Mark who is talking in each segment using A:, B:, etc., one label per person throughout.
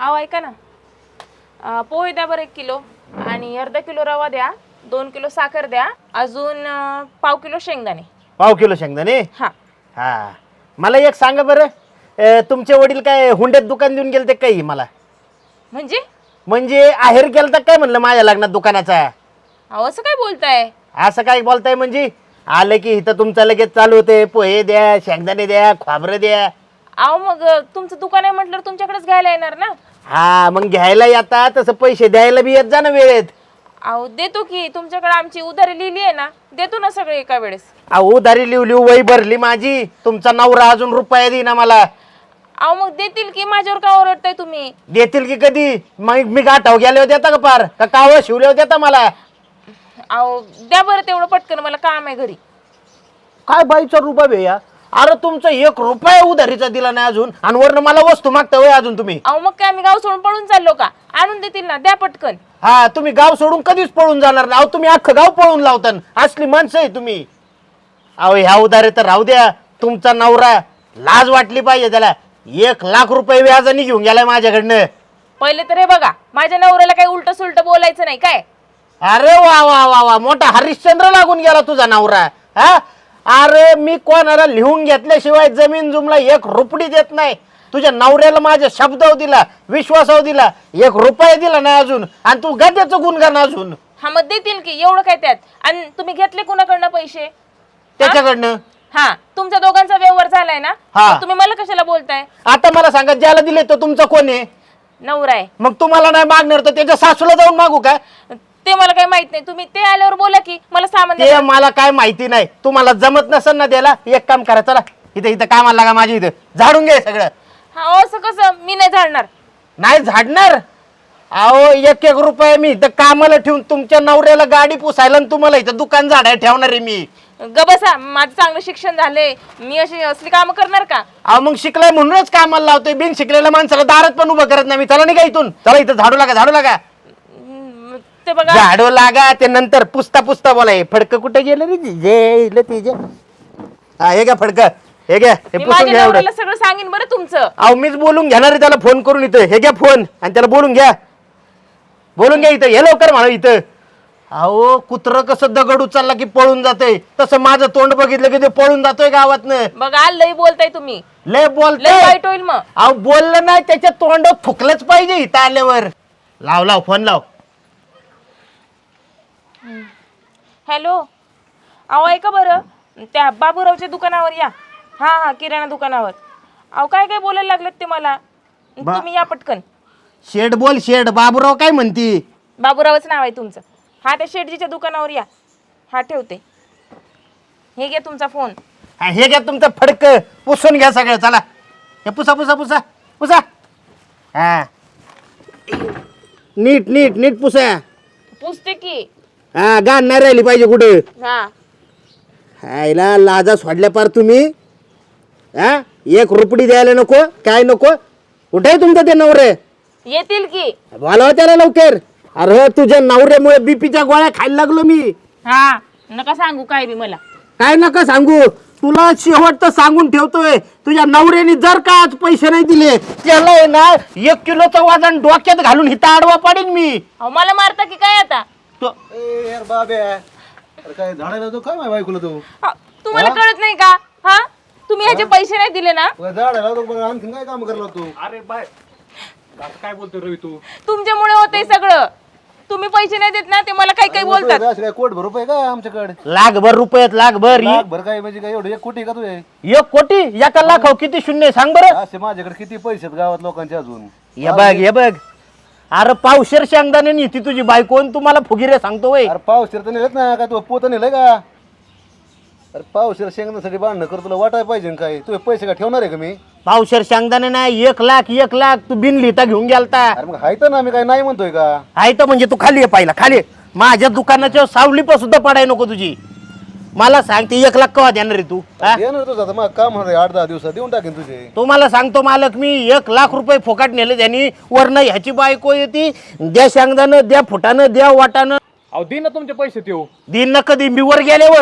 A: अहो ऐका ना, पोहे द्या बरं 1 किलो आणि अर्धा किलो रवा द्या, 2 किलो साखर द्या, अजून पाव किलो शेंगदाणे.
B: पाव किलो शेंगदाणे.
A: हा.
B: हा, मला एक सांगा बरं, तुमचे वडील काय हुंड्यात दुकान देऊन गेलते काही मला?
A: म्हणजे
B: आहेर केलं तर काय म्हणलं माझ्या लग्नात दुकानाचा?
A: अहो असं काय बोलताय?
B: असं काय बोलताय म्हणजे? आलं की इथं तुमचं लगेच चालू होते, पोहे द्या, शेंगदाणे द्या, खोबरं द्या.
A: अहो मग तुमचं दुकान आहे म्हटलं तुमच्याकडेच घ्यायला येणार ना.
B: हा, मग घ्यायला येता तसं पैसे द्यायला बी येत जा ना वेळेत.
A: अहो देतो की, तुमच्याकडे आमची उधारी लिहिली आहे ना, देतो ना सगळे एका वेळेस.
B: अहो उधारी लिवली, वही भरली माझी, तुमचा नवरा अजून रुपया देईना मला.
A: अहो मग देतील की, माझ्यावर का ओरडताय तुम्ही?
B: देतील की कधी? मग मी गाठाव गेले होते का पार का कावं शिवले होते आता मला?
A: अहो द्या बरं तेवढं पटकन, मला काम आहे घरी.
B: काय बाईचा रुपया बे या? अरे तुमचा 1 रुपया उधारीचा दिला नाही अजून, आणि वरनं मला वस्तू मागता होय अजून तुम्ही?
A: अहो मग काय आम्ही गाव सोडून पळून चाललो का? आणून देतील ना, द्या पटकन.
B: हा, तुम्ही गाव सोडून कधीच पळून जाणार नाही. अहो तुम्ही अख्खं गाव पळून लावता, असली माणसं आहे तुम्ही. अहो ह्या उधारे तर राहू द्या, तुमचा नवरा लाज वाटली पाहिजे त्याला. 1 लाख रुपये व्याजाने घेऊन गेलाय माझ्याकडनं.
A: पहिले तर हे बघा, माझ्या नवऱ्याला काही उलट सुलट बोलायचं नाही काय.
B: अरे वा वा वा वा, मोठा हरिश्चंद्र लागून गेला तुझा नवरा. हा, अरे मी कोणाला लिहून घेतल्याशिवाय जमीन जुमला 1 रुपडी देत नाही. तुझ्या नवऱ्याला माझ्या शब्दावर दिला, विश्वासावर दिला, 1 रुपया दिला नाही अजून, आणि तू गद्याचं गुणगान अजून.
A: हा मग देतील की, एवढं काय त्यात? आणि तुम्ही घेतले कुणाकडनं पैसे?
B: त्याच्याकडनं.
A: हा, तुमच्या दोघांचा व्यवहार झालाय ना,
B: हा.
A: मग तुम्ही मला कशाला बोलताय?
B: आता मला सांगा, ज्याला दिले तो तुमचा कोण आहे?
A: नवरा आहे.
B: मग तुम्हाला नाही मागणार तर त्याच्या सासूला जाऊन मागू का?
A: ते मला काही माहित नाही, तुम्ही ते आल्यावर बोला की, मला सामान
B: ते
A: द्या.
B: मला काय माहिती नाही. तुम्हाला जमत नसेल ना द्यायला, एक काम करा, चला इथं इथं कामाला लागा, माझ्या इथं झाडून घे सगळं.
A: हा असं कसं? मी नाही झाडणार.
B: नाही झाडणार? अहो 1 रुपया मी इथं कामाला ठेवून तुमच्या नवऱ्याला गाडी पुसायला आणि तुम्हाला इथं दुकान झाडायला ठेवणार आहे मी.
A: बसा, माझं चांगलं शिक्षण झालंय, मी अशी असली कामं करणार का?
B: अहो मग शिकलाय म्हणूनच कामाला लावतोय. बिन शिकलेल्या माणसाला दारात पण उभं करत नाही मी. चला नाही का इथून, चला इथं झाडू लागा, झाडू लागा,
A: ते बघा.
B: झाडू लागा. ते नंतर पुसता पुसता बोलाय. फडकं कुठे गेलं रे तिचे? हा, हे घ्या फडकं, हे घ्या, हे
A: मी
B: पुसून
A: माझ्या
B: घ्या एवढं.
A: नवऱ्याला सगळं सांगेन बरं तुमचं.
B: अहो मीच बोलून घेणार आहे त्याला फोन करून. इथं हे घ्या फोन, आणि त्याला बोलून घ्या, बोलून घ्या इथं, हे लवकर म्हणा इथं. अहो कुत्रं कसं दगड उचलला की पळून जातंय, तसं माझं तोंड बघितलं की ते पळून जातोय गावातनं.
A: बघा लई बोलताय तुम्ही,
B: लय
A: लई
B: बोलतोय.
A: वाईट होईल मग.
B: अहो बोललं नाही, त्याच्या तोंडात थुकलंच पाहिजे इथं आल्यावर. लाव लाव फोन लाव.
A: हॅलो, अहो ऐका बरं, त्या बाबूरावच्या दुकानावर या. हा हा, किराणा दुकानावर. अहो काय काय बोलायला लागलेत ते मला, तुम्ही या पटकन.
B: शेड बोल, शेड. बाबूराव काय म्हणती?
A: बाबूरावच नाव आहे तुमचं. हा, त्या शेटजीच्या दुकानावर या. हा ठेवते, हे घ्या तुमचा फोन.
B: हा, हे घ्या तुमचं फडक, पुसून घ्या सगळं. चला हे पुसा पुसा पुसा पुसा. हा, नीट नीट नीट पुसा.
A: पुसते की.
B: हा, गाण नाही राहिली पाहिजे कुठे.
A: हा,
B: हायला लाजा सोडल्या पार तुम्ही. हा, 1 रुपडी द्यायला नको, काय नको. कुठे तुमचं ते नवरे?
A: येतील की.
B: बोलावा त्याला लवकर. अरे तुझ्या नवऱ्यामुळे बीपीच्या गोळ्या खायला लागलो मी.
A: हा, नका सांगू काय बी मला.
B: काय नका सांगू, तुला शेवट तर सांगून ठेवतोय. तुझ्या नवऱ्याने जर का आज पैसे नाही दिले, त्याला आहे ना 1 किलोचं वजन डोक्यात घालून हिता आडवा पाडीन मी.
A: अहो मला मारता की काय आता?
C: यार बाब्या, अरे काय झाडायला तो काय माझ्या बायकोला तो
A: तुम्हाला कळत नाही का? हा, तुम्ही ह्याचे पैसे नाही दिले ना,
C: झाडायला तो बघा, आणखीन काय काम करला तू?
D: अरे बाय, आता काय बोलतोय रवी तू?
A: तुमच्यामुळे होतंय सगळं. तुम्ही पैसे नाही देत ना, ते मला काही काही बोलतात.
C: असे काय कोट भर रुपये का आमच्याकडे?
B: लाखभर रुपयात लाखभर.
C: भर काय म्हणजे काय एवढं 1 कोटी का तुझे?
B: 1 कोटी? 1 लाख किती शून्य सांग बरं.
C: असे माझ्याकडे किती पैसे आहेत गावात लोकांचे अजून?
B: हे बघ हे बघ. अरे पावशेर शेंगदाणे नीती तुझी बायको, आणि तुम्हाला फुगिरे सांगतो वय.
C: अरे पावशेर तर नेलेत ना, काय तू पोत नेलंय का? अरे पावशेर शेंगण्यासाठी बांधणं कर, तुला वाटाय पाहिजे काय? तुझे पैसे का ठेवणार आहे का मी?
B: पावशेर शेंगदाणे नाही, 1 लाख तू बिन लिहिता घेऊन गेलता.
C: अरे मग हाय तर ना, मी काय नाही म्हणतोय का?
B: आहे तर म्हणजे तू खाली ये पाहिला, खाली ये. माझ्या दुकानाच्या सावली पण सुद्धा पडाय नको तुझी. मला सांग ते 1 लाख कवा देणार रे तू? हा?
C: देणार तुझं आता, मग काम होणार 8-10 दिवसात देऊन टाकेन तुझे.
B: तुम्हाला सांगतो मालक, मी 1 लाख रुपये फुकाट नेले त्यांनी. वरनं ह्याची बायको येते, द्या शेंगदाणं, द्या फुटानं, द्या वाटानं.
D: अहो दे ना तुमचे पैसे देऊ.
B: दिन न कधी मी वर गेल्यावर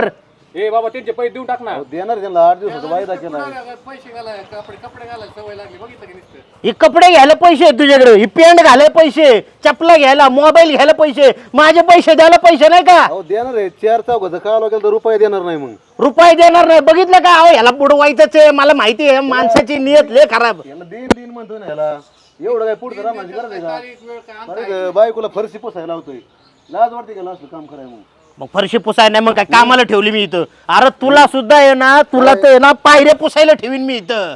D: ए बाबा त्यांचे पैसे देऊन टाक ना.
C: अहो, देणार आहे त्यांना 8 दिवसाचा वायदा केला
E: पैसे घालाय कपडे घालायला सवय लागली बघितलं की नुसतं.
B: हे कपडे घ्यायला पैसे आहेत तुझ्याकडे, ही पॅन्ट घालायला पैसे, चपला घ्यायला, मोबाईल घ्यायला पैसे, माझे पैसे द्यायला पैसे नाही का?
C: अहो देणार आहे 4 चौघाचं काल केलं तर रुपये देणार नाही मग.
B: रुपये देणार नाही, बघितलं का? अहो ह्याला बुडवायचंच आहे, मला माहिती आहे माणसाची नियत लय खराब.
C: याला दिन म्हणतो ना याला, एवढं काय पुढचं रामाची गरज आहे का? बरं, बायकोला फरशी पुसायला लावतोय, लाज वाटते का असलं काम करायला मग?
B: मग फरशी पुसाय नाही मग काय कामाला ठेवली मी इथं? अरे तुला सुद्धा आहे ना, तुला तर आहे ना पायऱ्या पुसायला ठेवीन मी इथं.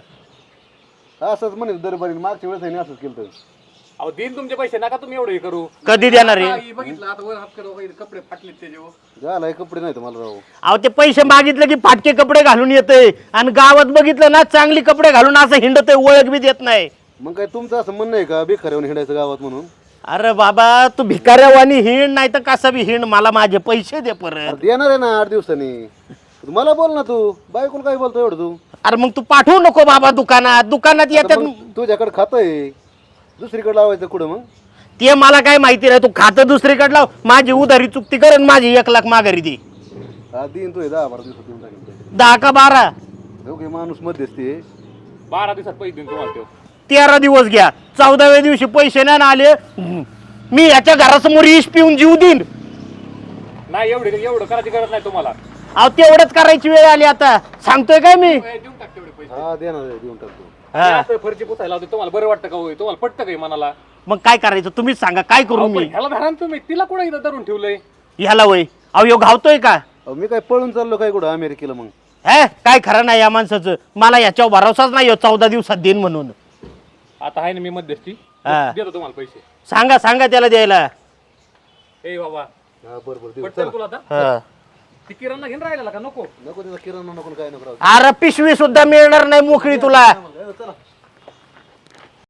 C: असंच म्हणेल दरबारी, मागच्या वेळेस आहे ना असंच केलं.
D: अहो देईन तुमचे पैसे, नका तुम्ही एवढे हे करू.
B: कधी देणार आहे?
E: आई बघितलं आता वर हात करून कपडे फाटलेत त्याच्यावर.
C: झालाय कपडे नाही तुम्हाला राहू.
B: अहो ते पैसे मागितले की फाटके कपडे घालून येते, आणि गावात बघितलं ना चांगली कपडे घालून असं हिंडत, ओळख बी देत नाही.
C: मग काय तुमचं असं म्हणणं आहे का बेखऱ्यावर हिंडायचं गावात म्हणून?
B: अरे बाबा तू भिकाऱ्यावानी हिंड, नाही तर कसा बी हिंड, मला माझे पैसे दे परत.
C: अरे देणार आहे ना 8 दिवसांनी. मला बोल ना तू, बायकोला काय बोलतो एवढं तू?
B: अरे मग तू पाठवू नको बाबा दुकानात येतात.
C: मग तुझ्याकडे खातं आहे, दुसरीकडे लावायचं कुठं मग?
B: ते मला काय माहिती नाही, तू खातं दुसरीकडे लाव, माझी उधारी चुकती कर आणि माझी 1 लाख माघारी दे.
C: हा दिन तू 10-12 दिवसात देऊन टाकेल.
B: 10 का 12?
C: ओके, माणूस मध्यस्थी आहे.
D: 12 दिवसात पैसे देईन तुम्हाला तो.
B: 13 दिवस घ्या, 14व्या दिवशी पैसे नाही आले, मी याच्या घरासमोर इश पिऊन जीव देईन.
D: नाही एवढं करायची गरज नाही तुम्हाला.
B: अहो तेवढंच करायची वेळ आली आता, सांगतोय काय मी?
E: देऊन टाक तेवढे पैसे.
C: हा देणार आहे, देऊन टाकतो.
B: हा.
D: असं फरची पुसायला लावते, तुम्हाला बरं वाटतं का? होय तुम्हाला पटतं का मनाला?
B: मग काय करायचं तुम्हीच सांगा, काय करू मी?
D: ह्याला धरा ना तुम्ही, तिला कुठं इथं धरून ठेवलंय?
B: ह्याला वय अहो ह्यो घावतोय का?
C: अहो, मी काय पळून चाललो काय कुठं अमेरिकेला मग?
B: हे काय खरं नाही या माणसाचं, मला याच्यावर भरोसाच नाही ह्यो 14 दिवसात देईन म्हणून.
D: आता आहे ना मी मध्यस्थी,
B: हा.
D: देतो तुम्हाला पैसे.
B: सांगा त्याला द्यायला.
D: ए बाबा
C: हा बरोबर देऊ.
D: पटतं तुला आता?
B: हा.
D: ती किराणा घेऊन राहिला का नको?
C: नको त्याचा किराणा नको काय नको राहू.
B: अरे पिशवी सुद्धा मिळणार नाही मोकळी तुला.
C: चला